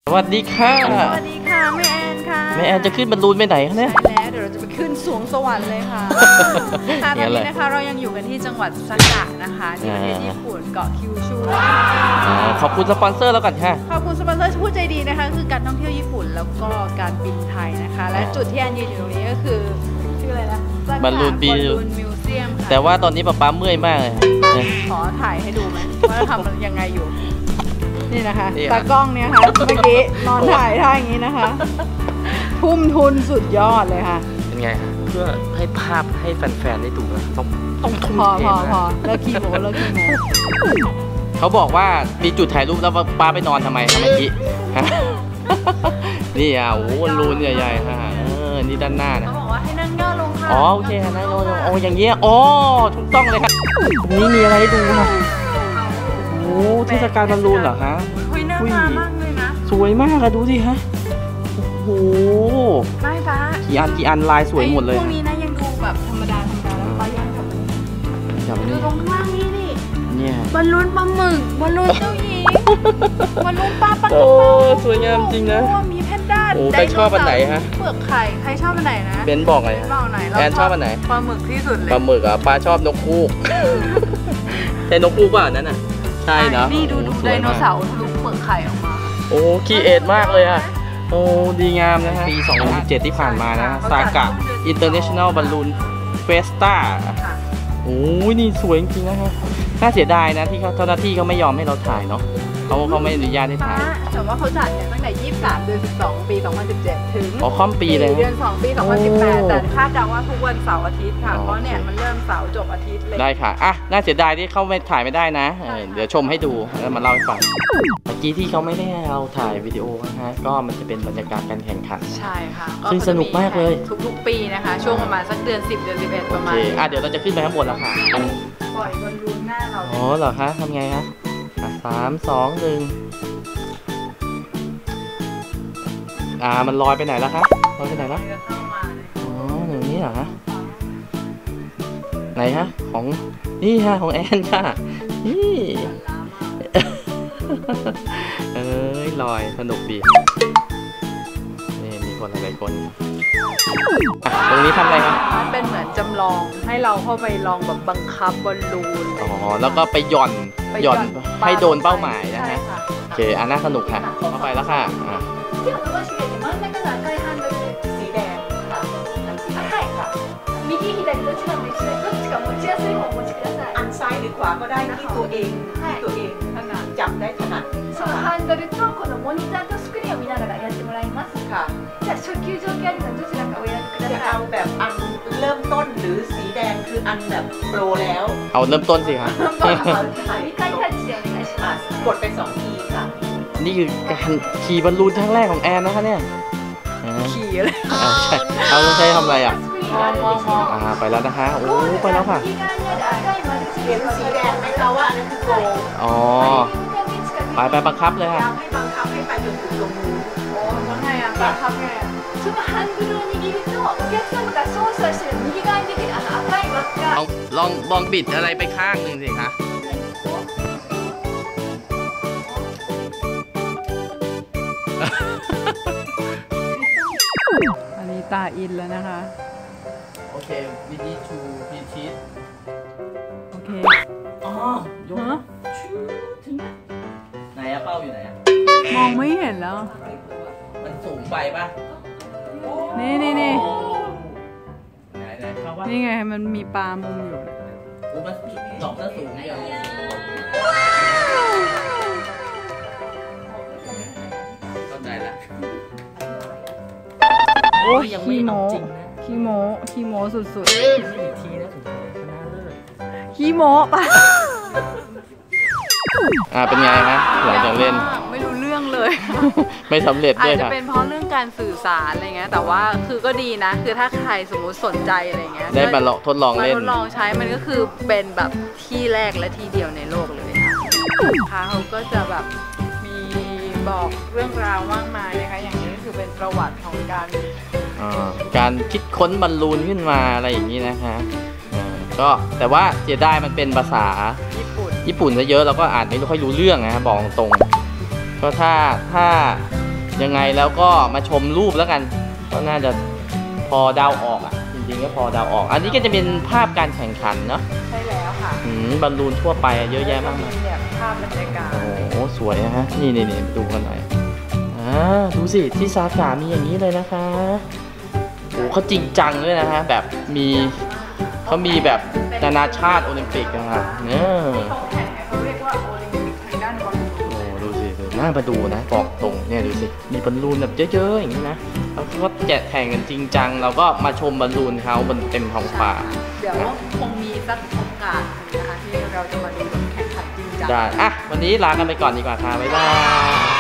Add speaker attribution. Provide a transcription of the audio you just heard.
Speaker 1: สวัสดีค่ะ
Speaker 2: สวัสดีค่ะแม่แอนค่ะ
Speaker 1: แม่แอนจะขึ้นบอลลูนไปไหนคะเนี่ย
Speaker 2: ใช่แล้วเดี๋ยวเราจะไปขึ้นสวงสวรรค์เลยค่ะตอนนี้นะคะเรายังอยู่กันที่จังหวัดซากะนะคะที่ประเทศญี่ปุ่นเกาะคิวชู
Speaker 1: ขอบคุณสปอนเซอร์แล้วกันค่ะ
Speaker 2: ขอบคุณสปอนเซอร์ผู้ใจดีนะคะคือการท่องเที่ยวญี่ปุ่นแล้วก็การบินไทยนะคะและจุดที่แอนยืนอยู่ตรงนี้ก็คือชื่ออะไรนะ
Speaker 1: บอลลูนมิ
Speaker 2: วเซียมค่ะ
Speaker 1: แต่ว่าตอนนี้ป๊าเมื่อยมากเลย
Speaker 2: ขอถ่ายให้ดูไหมว่าทำยังไงอยู่นี่นะคะตากล้องเนี่ยค่ะเมื่อกี้นอนถ่ายท่าอย่างนี้นะคะทุ่มทุนสุดยอดเลยค่ะ
Speaker 1: เป็นไงเพื่อให้ภาพให้แฟนๆได้ดูนะต้องทุ่มเท
Speaker 2: พอเลิกขี้โม้
Speaker 1: เขาบอกว่ามีจุดถ่ายรูปแล้วป้าไปนอนทำไมเมื่อกี้นี่โอ้ลูนใหญ่ๆค่ะนี่ด้านหน้านะ
Speaker 2: เขาบอกว่าให้นั่งย่อลงค่ะ
Speaker 1: โอเคนั่งย่อลงอย่างเงี้ยถูกต้องเลยครับนี่มีอะไรให้ดูค่ะเทศกาลบอลลูนเหรอคะ
Speaker 2: น่ามามากเลยนะ
Speaker 1: สวยมากอะดูสิฮะโอ้
Speaker 2: ไม่ป้า
Speaker 1: กี่อันลายสวยหมดเลย
Speaker 2: พวกนี้นะยังดูแบบธรรมดาแล้วป้ายังดูตรงข้างล่างนี่
Speaker 1: เนี่ย
Speaker 2: บอลลูนปลาหมึกบอลลูนเจ้าหญิงบอลลูนปลาปัง
Speaker 1: สวยงามจริงนะ
Speaker 2: มีแพนด้า
Speaker 1: ใครชอบอันไหนฮะ
Speaker 2: เปลือกไข่ใครชอบอันไหนนะ
Speaker 1: เบนบอกไงแอนชอบอันไหน
Speaker 2: ปลาหมึกที่สุดเลย
Speaker 1: ปลาหมึกอ่ะป้าชอบนกฮูกแต่นกฮูกว่านั่นน่ะใช่นะ
Speaker 2: นี่ดูไดโนเสาร์ทะลุเปลือกไข่ออกมา
Speaker 1: คีเอทมากเลยอ่ะดีงามนะฮะปี 2017 ที่ผ่านมานะซากะ International Balloon Festa นี่สวยจริงๆนะฮะน่าเสียดายนะที่เจ้าหน้าที่เขาไม่ยอมให้เราถ่ายเนาะเขาไม่อนุญาตให้ถ่าย
Speaker 2: แต่ว่าเขาจัดเนี่ยตั้งแต่23 เดือน 12 ปี 2017 ถึง
Speaker 1: ค่อมปีเลย
Speaker 2: เดือน 2 ปี 2018 แต่คาดเดาว่าทุกวันเสาร์อาทิตย์ค่ะเพราะเนี่ยมันเริ่มเสาร์จบอาทิตย์เลย
Speaker 1: ได้ค่ะน่าเสียดายที่เขาไม่ถ่ายไม่ได้นะเดี๋ยวชมให้ดูแล้วมาเล่าให้ฟังเมื่อกี้ที่เขาไม่ได้เราถ่ายวิดีโอนะฮะก็มันจะเป็นบรรยากาศการแข่งขัน
Speaker 2: ใช่ค่ะ
Speaker 1: ซึ่งสนุกมากเลย
Speaker 2: ทุกปีนะคะช่วงประมาณสักเดือน 10 เดือน 11 ประมาณ
Speaker 1: เดี๋ยวเราจะขึ้นไปข้างบนแล้วค่ะ
Speaker 2: ปล่อยบอลลูนหน้าเรา
Speaker 1: เหรอคะทำไงฮะ3 2 1มันลอยไปไหนแล้วคะลอยไปไหนแล้วอย่างนี้เหรอฮะไหนฮะของนี่ฮะของแอนค่ะนี่ลอยสนุกดีนี่มีคนหลายคนตรงนี้ทำอะไรครับ
Speaker 2: เป็นเหมือนจำลองให้เราเข้าไปลองแบบบังคับบอลลูน
Speaker 1: แล้วก็ไปหย่อนให้โดนเป้าหมายนะฮะโอเคน่าสนุกค่ะเข้าไปแล้วค่ะ
Speaker 2: สีแดง右左どちらも一緒でどっちか持ちやすい方をお持ちください
Speaker 3: อันซ้ายหรือขวาก็ได้ที่ตัวเองถนัดจับได้ถนัด
Speaker 2: そのハンドルとこのモニターとスクリーンを見ながらやってもらいます
Speaker 3: ค่ะ
Speaker 2: じゃあ初級上級あるのどちらかお選びください
Speaker 3: จะเอาแบบอันเริ่มต้นหรือสีแดงคืออันแบบโปรแล้ว
Speaker 1: เอาเริ่มต้นสิครับ
Speaker 2: 2回タッチでお願いします
Speaker 3: กดไป2 ทีค่ะ
Speaker 1: นี่คือการขี่บอลลูนครั้งแรกของแอนนะคะเนี่ย
Speaker 2: ขี่อะไร
Speaker 1: ใช้ทำอะไรอ่ะ
Speaker 2: มอง
Speaker 1: ไปแล้วนะคะไปแล้วค่ะ
Speaker 3: เห็นสีแดงไหมคะว่าอันนั้นคือโก
Speaker 1: ไปบังคับเลยค่ะ
Speaker 3: ให้บังคับให้ไปจนถึงตรงนู้น
Speaker 2: ทำไงอ่ะบังคับไงそのハンドルを握るとお客様が操作してる右側に出てる赤い輪っか
Speaker 1: ลองบิดอะไรไปข้างหนึ่งสิคะ
Speaker 2: อันนี้ตาอินแล้วนะคะ
Speaker 1: โอเควิธีชูพีชีส
Speaker 2: โอเค
Speaker 1: ยกถึงไหนอะเป้าอยู่ไหนอะ
Speaker 2: มองไม่เห็นแล้ว
Speaker 1: มันสูงไปป่ะ
Speaker 2: นี่
Speaker 1: ไหน
Speaker 2: นี่ไงมันมีปลามุมอยู่
Speaker 1: มันดอกน่าสูงอย่างเข้าใจแล้ว
Speaker 2: ยังไม่เอาจริงนะขี้โม้สุดๆ
Speaker 1: อีกทีนะถึงชนะเลิศ
Speaker 2: ขี้โม้ป่ะ
Speaker 1: เป็นไงฮะหลังจากเล่น
Speaker 2: ไม่รู้เรื่องเลย
Speaker 1: ไม่สำเร็จด้วยค่ะ
Speaker 2: อาจจะเป็นเพราะเรื่องการสื่อสารอะไรเงี้ยแต่ว่าคือก็ดีนะคือถ้าใครสมมุติสนใจอะไรเงี้ย
Speaker 1: ได้มาทดลองเล่น
Speaker 2: ทดลองใช้มันก็คือเป็นแบบที่แรกและที่เดียวในโลกเลยค่ะเขาก็จะแบบมีบอกเรื่องราวมากมายนะคะอย่างนี้ก็คือเป็นประวัติของ
Speaker 1: การคิดค้นบอลลูนขึ้นมาอะไรอย่างนี้นะคะก็แต่ว่าเสียดายมันเป็นภาษาญี่ปุ่นซะเยอะเราก็อ่านไม่ค่อยรู้เรื่องนะบอกตรงก็ถ้ายังไงแล้วก็มาชมรูปแล้วกันก็น่าจะพอเดาออกอ่ะจริงๆก็พอเดาออก อันนี้ก็จะเป็นภาพการแข่งขันเนาะ
Speaker 2: ใช่แล้วค่ะ
Speaker 1: บอลลูนทั่วไปเยอะแยะมาก
Speaker 2: มี
Speaker 1: มาย
Speaker 2: แบบภาพบรรยากาศ
Speaker 1: โอ้โหสวยนะฮะนี่ดูกันหน่อยดูสิที่ซากามีอย่างนี้เลยนะคะโอ้เขาจริงจังเลยนะฮะแบบเขามีแบบนานาชาติโอลิมปิกนะฮะเนี่ย
Speaker 2: เขาแข่งเนี่ยเขาเรียกว่าโอลิมปิกทางด้านบอลลูน
Speaker 1: โอ้ดูสิน่ามาดูนะบอกตรงเนี่ยดูสิมีบอลลูนแบบเยอะๆอย่างนี้นะแล้วก็แจกแข่งกันจริงจังเราก็มาชมบอลลูนเขาบนเต็มท้องฟ้า
Speaker 2: เดี๋ยวคงมีสักโอกาสหนึ่งนะคะที่เราจะมาดูแบบแข่งขันจริงจัง
Speaker 1: ได้วันนี้ลากันไปก่อนดีกว่าค่ะบ๊ายบาย